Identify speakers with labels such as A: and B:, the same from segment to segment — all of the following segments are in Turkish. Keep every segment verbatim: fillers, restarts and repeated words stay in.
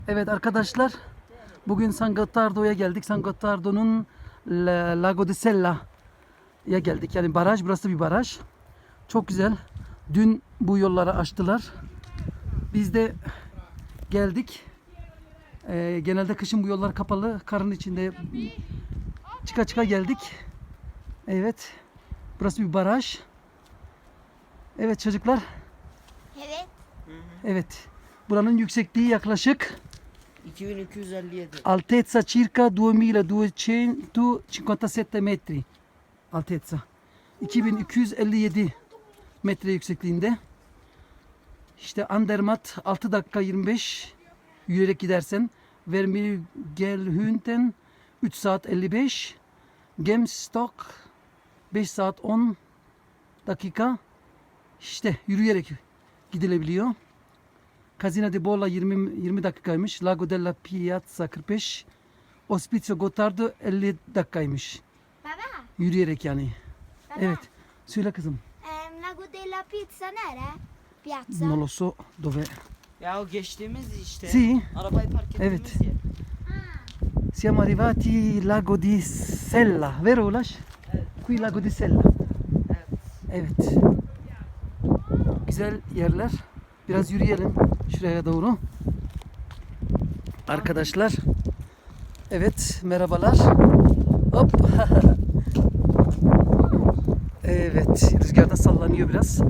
A: Evet arkadaşlar, bugün San Gottardo'ya geldik. San Gottardo'nun La- Lago di Sella'ya geldik. Yani baraj, burası bir baraj. Çok güzel. Dün bu yolları açtılar. Biz de geldik. Ee, genelde kışın bu yollar kapalı. Karın içinde çıka çıka geldik. Evet. Burası bir baraj. Evet çocuklar.
B: Evet.
A: Evet. Buranın yüksekliği yaklaşık
C: iki bin iki yüz elli yedi.
A: altezza circa duemiladuecentocinquantasette metri. Altezza. iki bin iki yüz elli yedi metre yüksekliğinde. İşte Andermatt altı dakika yirmi beş yürüyerek gidersen. Vermilgelhünten üç saat elli beş. Gemstok beş saat on dakika. İşte yürüyerek gidilebiliyor. Casina di Bolla yirmi, yirmi dakikaymış. Lago della Piazza kırk beş. Ospizio Gottardo elli dakikaymış.
B: Baba.
A: Yürüyerek yani.
B: Baba.
A: Evet. Söyle kızım.
B: Ehm, Lago della Pizza nere? Piazza.
A: Non lo so dove.
C: Ya o geçtiğimiz işte.
A: Si.
C: Arabayı park ettiğimiz
A: Evet.
C: yer.
A: Siamo arrivati Lago di Sella. Vero Ulaş?
C: Evet.
A: Qui Lago di Sella.
C: Evet.
A: Evet. Güzel yerler. Biraz yürüyelim şuraya doğru. Arkadaşlar. Evet, merhabalar. Hop. Evet, rüzgarda sallanıyor biraz.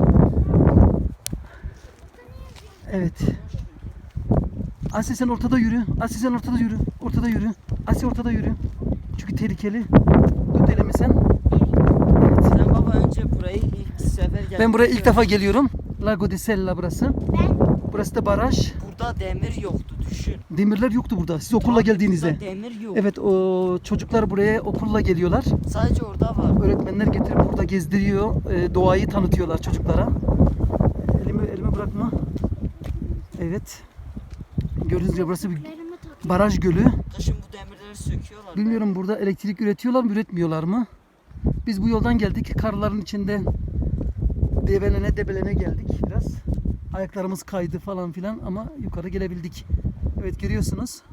A: Evet. Asya sen ortada yürü. Asya sen ortada yürü. Ortada yürü. Asya ortada yürü. Çünkü tehlikeli. Tut elimi sen. Evet.
C: Sen baba önce burayı ilk sefer geldin.
A: Ben buraya ilk defa geliyorum. Lago di Sella burası.
B: Ben.
A: Burası da baraj.
C: Burada demir yoktu düşün.
A: Demirler yoktu burada. Siz okulla
C: Abi
A: geldiğinizde.
C: Burada demir yok.
A: Evet, o çocuklar buraya okulla geliyorlar.
C: Sadece orada var.
A: Öğretmenler getirip burada gezdiriyor. e, doğayı tanıtıyorlar çocuklara. Elimi elimi bırakma. Evet. Gördüğünüz gibi burası bir
B: Ellerimi tak.
A: baraj gölü.
C: Kışın bu demirleri söküyorlar.
A: Bilmiyorum burada elektrik üretiyorlar mı, üretmiyorlar mı? Biz bu yoldan geldik. Karların içinde debelene debelene geldik biraz. Ayaklarımız kaydı falan filan ama yukarı gelebildik. Evet görüyorsunuz.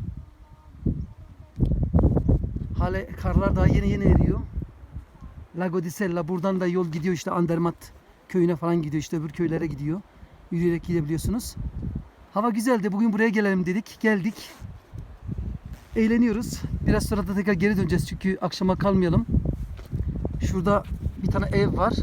A: Hale karlar daha yeni yeni eriyor. Lago di Sella, buradan da yol gidiyor işte Andermatt köyüne falan gidiyor, işte öbür köylere gidiyor. Yürüyerek gidebiliyorsunuz. Hava güzeldi. Bugün buraya gelelim dedik. Geldik. Eğleniyoruz. Biraz sonra da tekrar geri döneceğiz çünkü akşama kalmayalım. Şurada bir tane ev var.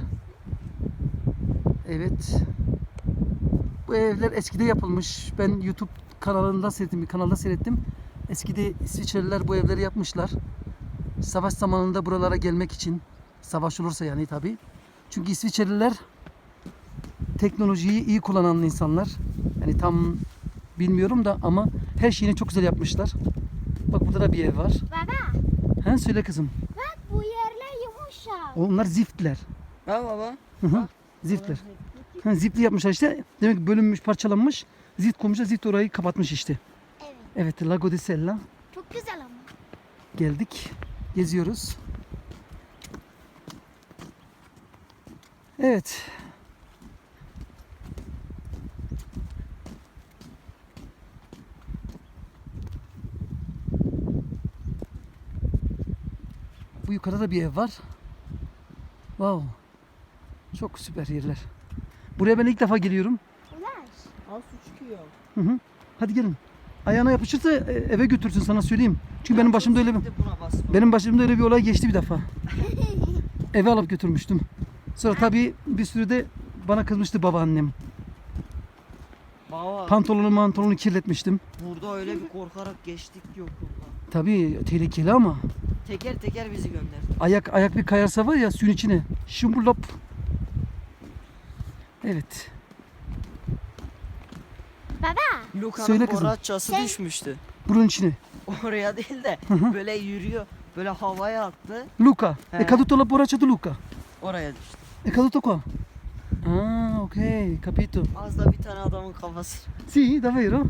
A: Evet. Bu evler eskide yapılmış. Ben YouTube kanalında seyrettim, bir kanalda seyrettim. Eskide İsviçreliler bu evleri yapmışlar. Savaş zamanında buralara gelmek için, savaş olursa yani tabii. Çünkü İsviçreliler teknolojiyi iyi kullanan insanlar. Yani tam bilmiyorum da ama her şeyini çok güzel yapmışlar. Bak burada da bir ev var.
B: Baba.
A: He söyle kızım.
B: Bak bu yerler yumuşak.
A: Onlar ziftler.
C: Ha baba.
A: Hı hı. Ziftler. Ha, zipli yapmışlar işte. Demek ki bölünmüş, parçalanmış. Zift koymuşlar. Zift orayı kapatmış işte.
B: Evet.
A: Evet, Lago di Sella.
B: Çok güzel ama.
A: Geldik. Geziyoruz. Evet. Bu yukarıda da bir ev var. Wow. Çok süper yerler. Buraya ben ilk defa geliyorum.
B: Ulaş.
C: Al su çıkıyor.
A: Hı hı. Hadi gelin. Ayağına yapışırsa e, eve götürsün, sana söyleyeyim. Çünkü benim başımda öyle bir
C: Bir de buna basma.
A: benim başımda öyle bir olay geçti bir defa. Eve alıp götürmüştüm. Sonra tabii bir sürü de bana kızmıştı babaannem.
C: Baba
A: Pantolonu mantolonu kirletmiştim.
C: burada öyle bir korkarak geçtik yok burada.
A: Tabii tehlikeli ama
C: Teker teker bizi gönderdi.
A: ayak ayak bir kayarsa var ya suyun içine. Şumbulop. Evet.
B: Baba.
C: Luka'nın
A: Söyle kızım.
C: borraçası
B: Sen-
C: düşmüştü.
A: Bunun içine.
C: Oraya değil de
A: hı.
C: böyle yürüyor. Böyle havaya attı.
A: Luca.
C: He.
A: È caduto la borraccia di Luca.
C: Oraya düştü.
A: È caduto qua. Ah, ok, capito.
C: Az da bir tane adamın kafası.
A: Sì, davvero?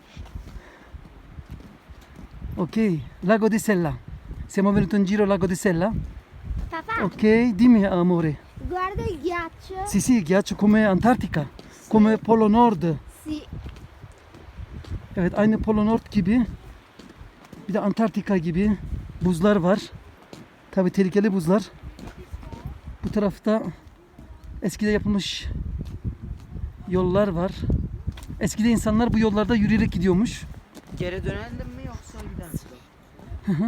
A: Ok, Lago di Sella. Siamo venuti in giro Lago di Sella?
B: Papa.
A: Ok, dimmi amore.
B: Guarda il ghiaccio.
A: Sì, sì, ghiaccio come Antartica, come Polo Nord.
B: Sì.
A: Evet, aynı Polo Nord gibi. Bir de Antarktika gibi buzlar var. Tabii tehlikeli buzlar. Bu tarafta eskide yapılmış yollar var. Eskide insanlar bu yollarda yürüyerek gidiyormuş.
C: Geri dönelim mi yoksa gidelim?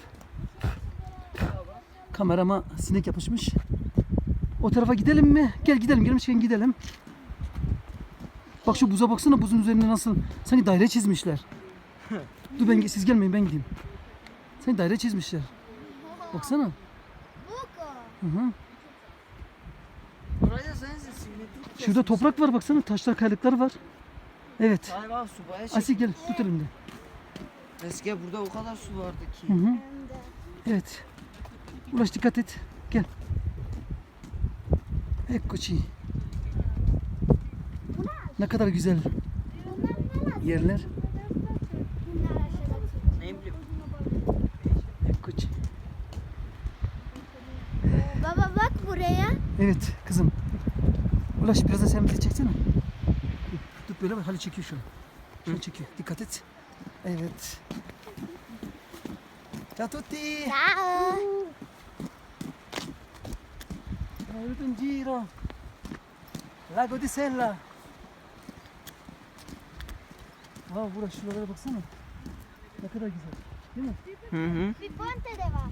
A: Kamerama sinek yapışmış. O tarafa gidelim mi? Gel gidelim. Gelmişken gidelim. Bak şu buza baksana, buzun üzerinde nasıl sanki daire çizmişler. Dur ben siz gelmeyin, ben gideyim. Sanki daire çizmişler. Baksana.
B: Buko.
A: Hı hı.
C: Buraya sensin simetrik.
A: Şurada toprak var baksana, taşlar, kayalıklar var. Evet.
C: Hayır abi su bayağı çek.
A: Asi gel tut elimde.
C: Eski burada o kadar su vardı ki.
A: Hı hı.
B: Hem de.
A: Evet. Ulaş dikkat et. Gel. Eccoci. Ne kadar güzel yerler.
B: Bunlar aşağıda.
C: Ne bileyim.
A: Eccoci.
B: Baba bak buraya.
A: Evet kızım. Ulaş biraz da sen bizi çeksene. Dur böyle bak, Halil çekiyor şu an. Şu an çekiyor. Dikkat et. Evet. Ciao a tutti.
B: Ciao.
A: Venuto in giro. Lago di Sella. Wow, burası, şuralara baksana. Ne kadar güzel. Değil mi?
C: Hı hı.
B: Bir ponte de var.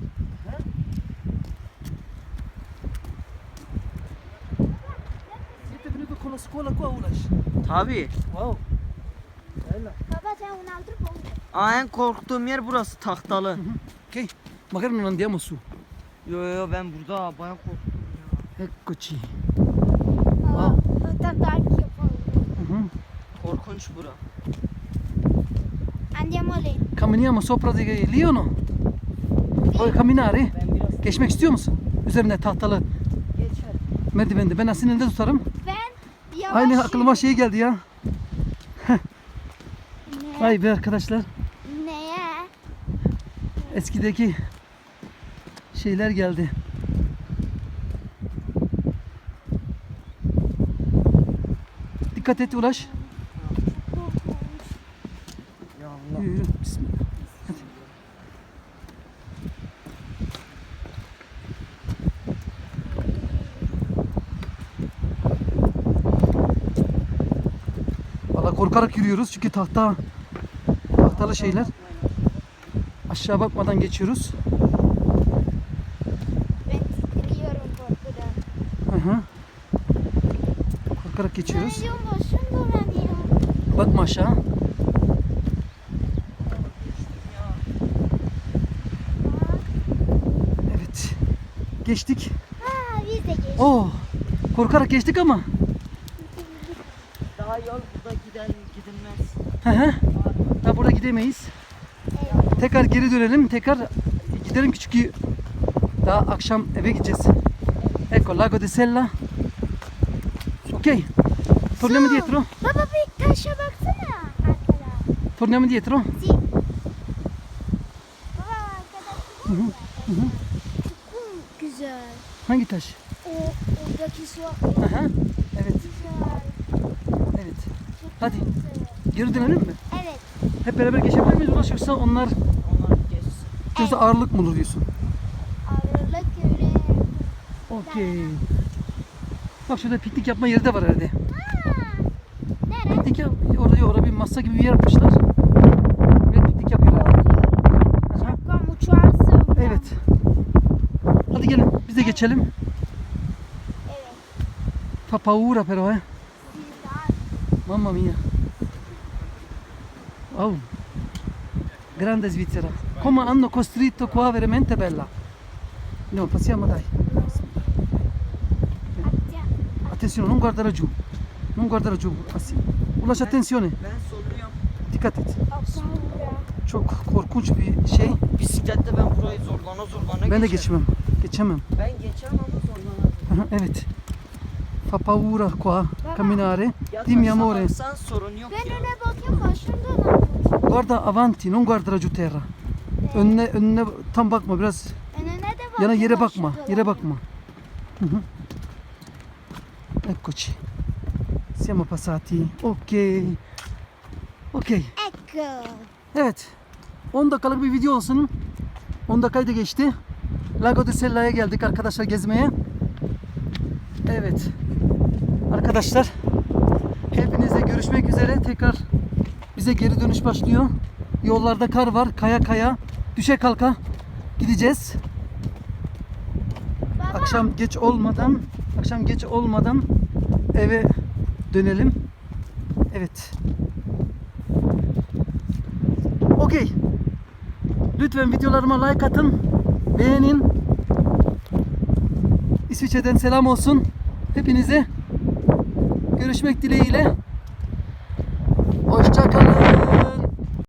A: Siete venuto con la scuola qua, Ulaş.
C: Tabii.
A: Wow. Bella.
B: Baba c'è un altro ponte.
C: Aa, en korktuğum yer burası, tahtalı.
A: Ok, magari non andiamo su.
C: Yo yo ben burada bayağı korktum ya.
A: Eccoci.
B: Baba. Ho tanto anch'io paura.
A: Hı hı.
C: Korkunç bura.
B: Andiamo lì.
A: Camminiamo sopra di Lione. Vuoi camminare?
C: Ben biraz
A: Geçmek istiyor musun? Üzerinde tahtalı
C: geçerim.
A: merdivende. Ben Asin'in elinde tutarım.
B: Ben yavaş
A: Aynı aklıma
B: yürü.
A: şey geldi ya.
B: Ne?
A: Vay be arkadaşlar.
B: Neye?
A: Eskideki şeyler geldi. Dikkat et Ulaş.
C: Ya Allah.
A: Yürü, yürü. Bismillah. Hadi. Valla korkarak yürüyoruz çünkü tahta tahtalı şeyler. Aşağı bakmadan geçiyoruz.
B: Ben titriyorum korkudan.
A: Hı hı. Korkarak geçiyoruz.
B: Dönüyor musun dolanıyor?
A: Bakma aşağı. Evet. Geçtik.
B: Ha biz de geçtik.
A: Oo. Korkarak geçtik ama.
C: Daha yol burada gider gidilmez.
A: Hı hı. Daha burada gidemeyiz.
B: Evet.
A: Tekrar geri dönelim. Tekrar gidelim ki çünkü daha akşam eve gideceğiz. Ecco Lago di Sella. Ok. Torniamo
B: Su.
A: dietro.
B: Baba bir taşa baksana. Arkada.
A: Torniamo dietro.
B: Si. Baba arkada.
A: Hı hı. Hı hı.
B: Çok güzel.
A: Hangi taş?
B: O oradaki su
A: Hı hı. Evet.
B: güzel.
A: Evet.
B: Çok
A: Hadi.
B: güzel.
A: Geri dönelim mi?
B: Evet.
A: Hep beraber geçebilir miyiz? Ulaş, yoksa onlar
C: Onlar geçsin.
A: yoksa ağırlık mı olur diyorsun?
B: Ağırlık öyle.
A: Okey. Bak şurada piknik yapma yeri de var herhalde.
B: Aa, Nere?
A: Piknik yap, orada orada bir masa gibi bir yer yapmışlar. Ve piknik yapıyorlar. Aha.
B: Şapkam uçarsın.
A: Evet. Hadi gelin biz de geçelim.
B: Evet.
A: Fa paura però eh.
B: Güzel.
A: Mamma mia. Oh. Grande Svizzera. Come hanno costruito qua, veramente bella. No, passiamo dai. Attenzione, non guardare giù. Non guardare giù. Assi. Ulaş, attenzione.
C: Ben soluyorum.
A: Dikkat et.
B: Paura.
A: Çok korkunç bir şey.
C: Bisiklette ben burayı zorlana zorlana
A: Ben de
C: geçerim.
A: geçmem. Geçemem.
C: Ben geçerim ama zorlana.
A: Aha, evet. Fa paura qua camminare.
C: Ya
A: Dimmi
C: taşa
A: amore.
C: baksan sorun yok
B: Ben
C: ya.
B: öne bakıyorum da şuradan bakıyorum.
A: Guarda avanti, non guardare giù terra. Önüne önüne tam bakma, biraz
B: Önüne de bakıyorum.
A: yana yere
B: da
A: bakma.
B: şuradan
A: Yere
B: bakıyorum.
A: bakma. Hı hı. Eccoci. Siamo passati. Ok. Ok.
B: Ecco. dakika.
A: Evet. on dakikalık bir video olsun. on dakikayı da geçti. Lago di Sella'ya geldik arkadaşlar gezmeye. Evet. Arkadaşlar hepinizle görüşmek üzere. Tekrar bize geri dönüş başlıyor. Yollarda kar var. Kaya kaya, düşe kalka gideceğiz.
B: Baba.
A: Akşam geç olmadan, akşam geç olmadan eve dönelim. Evet. Okey. Lütfen videolarıma like atın, beğenin. İsviçre'den selam olsun hepinize. Görüşmek dileğiyle.